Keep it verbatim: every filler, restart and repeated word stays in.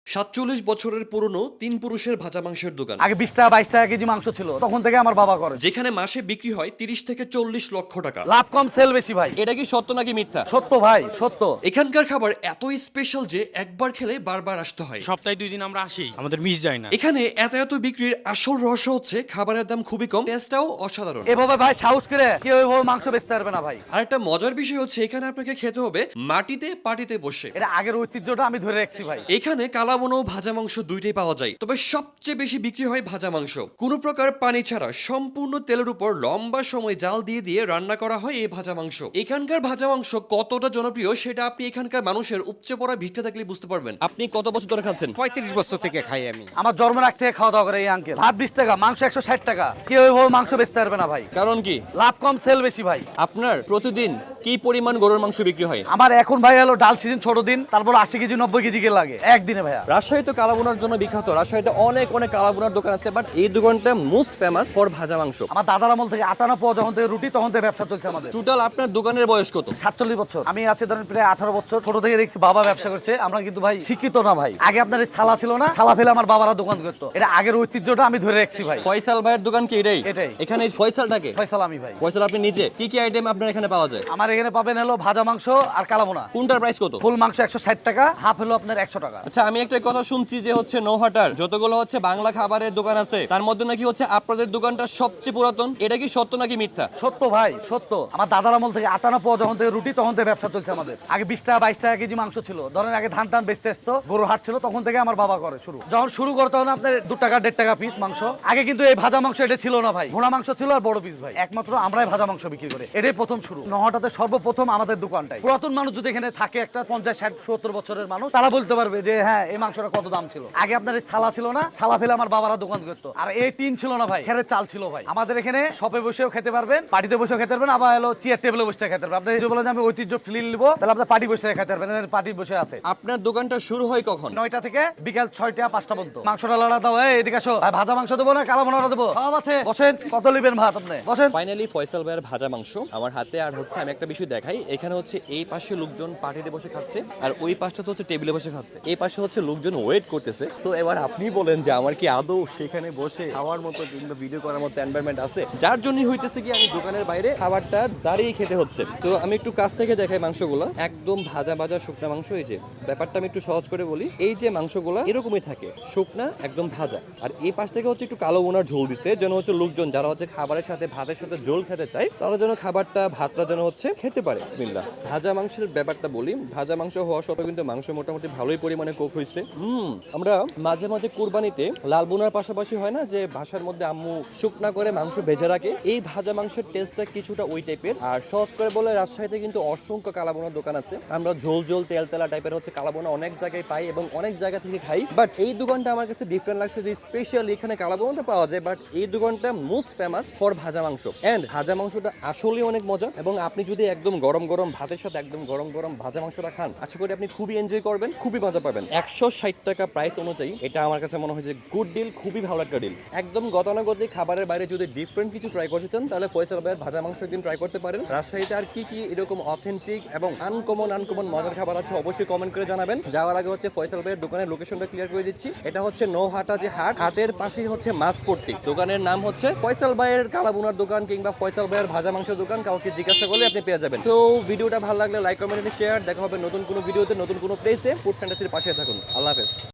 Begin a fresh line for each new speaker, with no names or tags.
সাতচল্লিশ বছরের পুরনো তিন পুরুষের ভাজা মাংসের দোকান,
আগে বিশ টাকা বাইশ টাকা কেজি মাংস ছিল, তখন থেকে আমার বাবা করে।
যেখানে মাসে বিক্রি হয় তিরিশ থেকে চল্লিশ লক্ষ টাকা।
লাভ কম সেল বেশি ভাই।
এটা কি সত্য নাকি মিথ্যা?
সত্য ভাই, সত্য।
এখানকার খাবার এতই স্পেশাল যে একবার খেলে বারবার আসতে হয়।
সপ্তাহে দুই দিন আমরা আসি, আমাদের মিস যায় না।
এখানে এত এত বিক্রির আসল রহস্য হচ্ছে খাবারের দাম খুবই কম, টেস্টটাও অসাধারণ।
এভাবে ভাই সাহস করে কেউ এভাবে মাংস বেচতে পারবে না ভাই।
আর একটা মজার বিষয় হচ্ছে এখানে আপনাকে খেতে হবে মাটিতে পাটিতে বসে।
এটা আগের ঐতিহ্যটা আমি ধরে রাখছি ভাই।
এখানে কালাবোনা ও ভাজা মাংস দুইটাই পাওয়া যায়, তবে সবচেয়ে বেশি বিক্রি হয় ভাজা মাংস। কোনো প্রকার পানি ছাড়া সম্পূর্ণ তেলের উপর লম্বা সময় জাল দিয়ে দিয়ে রান্না করা হয় এই ভাজা মাংস। এখানকার ভাজা মাংস কতটা জনপ্রিয় সেটা আপনি এখানকার মানুষের উপচে পড়া ভিড়টা দেখলে বুঝতে পারবেন। আপনি কত বছর ধরে খাচ্ছেন?
পঁয়ত্রিশ বছর থেকে খাই আমি।
আমার জন্ম রাখ থেকে খাওয়া দাওয়া করে এই আঙ্কেল। ভাত বিশ টাকা, মাংস একশো ষাট টাকা। কেউ এভাবে মাংস বেচতে পারবে না ভাই।
কারণ কি?
লাভ কম সেল বেশি ভাই।
আপনার প্রতিদিন কি পরিমাণ গরুর মাংস বিক্রি হয়?
আমার এখন ভাই হলো ডাল সিজন ছোট দিন, তারপর আশি কেজি নব্বই কেজি কে লাগে একদিনে ভাইয়া।
রাজশাহী তো কালাবোনার জন্য বিখ্যাত, রাজশাহীতে অনেক অনেক কালাবোনার দোকান আছে, বাট এই দোকানটা মোস্ট ফেমাস ফর ভাজা মাংস।
আমার দাদার আমল থেকে আটানা পাওয়া যখন থেকে রুটি তখন থেকে ব্যবসা চলছে আমাদের।
টোটাল আপনার দোকানের বয়স কত?
সাতচল্লিশ বছর। আমি আছি ধরেন প্রায় আঠারো বছর। ছোট থেকে দেখছি বাবা ব্যবসা করছে। আমরা কিন্তু ভাই শিক্ষিত না ভাই। আগে আপনার এই ছালা ছিল না, ছালা ফেলে আমার বাবারা দোকান করতো। এটা আগের ঐতিহ্যটা আমি ধরে রাখছি ভাই।
ফয়সাল ভাইয়ের দোকান কি এটাই?
এটাই।
এখানে এই ফয়সাল থাকে?
ফয়সাল আমি ভাই।
ফয়সাল আপনি নিজে কি কি আইটেম আপনার এখানে পাওয়া যায়?
আমার এখানে পাবেন হলো ভাজা মাংস আর কালাবোনা।
কোনটার প্রাইস কত?
ফুল মাংস একশো ষাট টাকা, হাফ হলো আপনার একশো টাকা।
আচ্ছা, আমি একটা কথা শুনছি যে হচ্ছে নৌহাটার যতগুলো হচ্ছে বাংলা খাবারের দোকান আছে তার মধ্যে নাকি হচ্ছে আপনাদের দোকানটা সবচেয়ে পুরাতন। এটা কি সত্য নাকি মিথ্যা?
সত্য ভাই, সত্য। আমার দাদার আমল থেকে আটানা পাওয়া যখন থেকে রুটি তখন থেকে ব্যবসা চলছে আমাদের। আগে বিশ টাকা বাইশ টাকা কেজি মাংস ছিল, ধরেন আগে ধান টান বেচতে আসতো, গরুর হাট ছিল, তখন থেকে আমার বাবা করে শুরু। যখন শুরু করতে তখন আপনার দু টাকা দেড় টাকা পিস মাংস। আগে কিন্তু এই ভাজা মাংস এটা ছিল না ভাই, ঘোড়া মাংস ছিল আর বড় পিস ভাই। একমাত্র আমরাই ভাজা মাংস বিক্রি করি, এটাই প্রথম শুরু। নহটাতে সর্বপ্রথম আমাদের দোকানটাই। পুরাতন মানুষ যদি এখানে থাকে একটা পঞ্চাশ ষাট সত্তর বছরের মানুষ, তারা বলতে পারবে যে হ্যাঁ এই মাংসটা কত দাম ছিল। আগে আপনার এই ছালা ছিল না, ছালা ফেলে আমার বাবারা দোকান করতো। আর এই টিন ছিল না ভাই, খেরের চাল ছিল ভাই। আমাদের এখানে শপে বসেও খেতে পারবেন, পার্টিতে বসেও খেতে পারবেন, আবার হলো চেয়ার টেবিলে বসে খেতে পারবেন। আপনি যদি বলেন যে আমি ঐতিহ্য ফিল নিবো, তাহলে আপনার পার্টি বসে খেতে পারবেন। পার্টি বসে আছে।
আপনার দোকানটা শুরু হয় কখন?
নয়টা থেকে বিকাল ছয়টা পাঁচটা পর্যন্ত। মাংসটা লাড়া দাও, এই এদিকে আসো। ভাই ভাজা মাংস দেবো না কালা বোনা দেবো? সব আছে, বসেন। কত নেবেন ভাত আপনি? বসেন।
ফাইনালি ফয়সাল ভাইয়ের ভাজা মাংস আমার হাতে। আর হচ্ছে আমি একটা বিষয় দেখাই, এখানে হচ্ছে এই পাশে লোকজন পার্টিতে বসে খাচ্ছে আর ওই পাশটা হচ্ছে টেবিলে বসে খাচ্ছে। এই পাশে হচ্ছে লোকজন ওয়েট করতেছে। তো এবার আপনি বলেন যে আমার কি আদৌ সেখানে বসে খাওয়ার মতো কিংবা ভিডিও করার মতো এনভায়রনমেন্ট আছে? যার জন্যই হইতেছে কি আমি দোকানের বাইরে খাবারটা দাঁড়িয়ে খেতে হচ্ছে। তো আমি একটু কাছ থেকে দেখাই মাংসগুলো, একদম ভাজা ভাজা শুকনা মাংস। এই যে ব্যাপারটা আমি একটু সহজ করে বলি, এই যে মাংসগুলো এরকমই থাকে, শুকনা একদম ভাজা। আর এই পাশ থেকে হচ্ছে একটু কালো বোনার ঝোল দিচ্ছে, যেন হচ্ছে লোকজন যারা হচ্ছে খাবারের সাথে ভাতের সাথে ঝোল খেতে চায় তারা যেন খাবারটা ভাতটা যেন হচ্ছে খেতে পারে। বিসমিল্লাহ। ভাজা মাংসের ব্যাপারটা বলি, ভাজা মাংস হওয়া সত্ত্বেও কিন্তু মাংস মোটামুটি ভালোই পরিমাণে কুক হয়েছে। হুম আমরা মাঝে মাঝে কুরবানিতে লাল বোনার পাশাপাশি হয় না যে ভাষার মধ্যে আম্মু শুকনা করে মাংস ভেজে রাখে, এই ভাজা মাংসের টেস্টটা কিছুটা ওই টাইপের। আর সহজ করে বলে রাজশাহীতে কিন্তু অসংখ্য কালাবোনার দোকান আছে, আমরা ঝোল ঝোল তেল তেলা টাইপের হচ্ছে কালাবোনা অনেক জায়গায় পাই এবং অনেক জায়গা থেকে খাই। বাট এই দোকানটা আমার কাছে ডিফারেন্ট লাগছে যে স্পেশালি এখানে কালাবোনা পাওয়া যায়, বাট এই দোকানটা মোস্ট ফেমাস ফর ভাজা মাংস। এন্ড ভাজা মাংসটা আসলে অনেক মজা এবং আপনি যদি একদম গরম গরম ভাতের সাথে একদম গরম গরম ভাজা মাংসটা খান, আশা করি আপনি খুবই এনজয় করবেন, খুবই মজা পাবেন। একশো ষাট টাকা প্রাইস অনুযায়ী এটা আমার কাছে মনে হয় যে গুড ডিল, খুবই ভালো একটা ডিল। একদম গতানুগতিক খাবারের বাইরে যদি ডিফারেন্ট কিছু ট্রাই করতে চান তাহলে ফয়সাল ভাইয়ের ভাজা মাংস একদিন ট্রাই করতে পারেন। রাজশাহীতে আর কি কি এরকম অথেন্টিক এবং আনকমন আনকমন মজার খাবার আছে অবশ্যই কমেন্ট করে জানাবেন। যাওয়ার আগে হচ্ছে ফয়সাল ভাইয়ের দোকানের লোকেশনটা ক্লিয়ার করে দিচ্ছি। এটা হচ্ছে নৌহাটা যে হাট, হাটের পাশেই হচ্ছে মাছপট্টি। দোকানের নাম হচ্ছে ফয়সাল ভাইয়ের কালাবোনার দোকান কিংবা ফয়সাল ভাইয়ের ভাজা মাংসের দোকান, কাউকে জিজ্ঞাসা করলে আপনি পেয়ে যাবেন। তো ভিডিওটা ভালো লাগলে লাইক কমেন্ট শেয়ার। দেখা হবে নতুন কোনো ভিডিওতে নতুন কোনো প্লেসে। ফুড ফ্যান্টাসির পাশে থাকুন। আল্লাহ হাফেজ।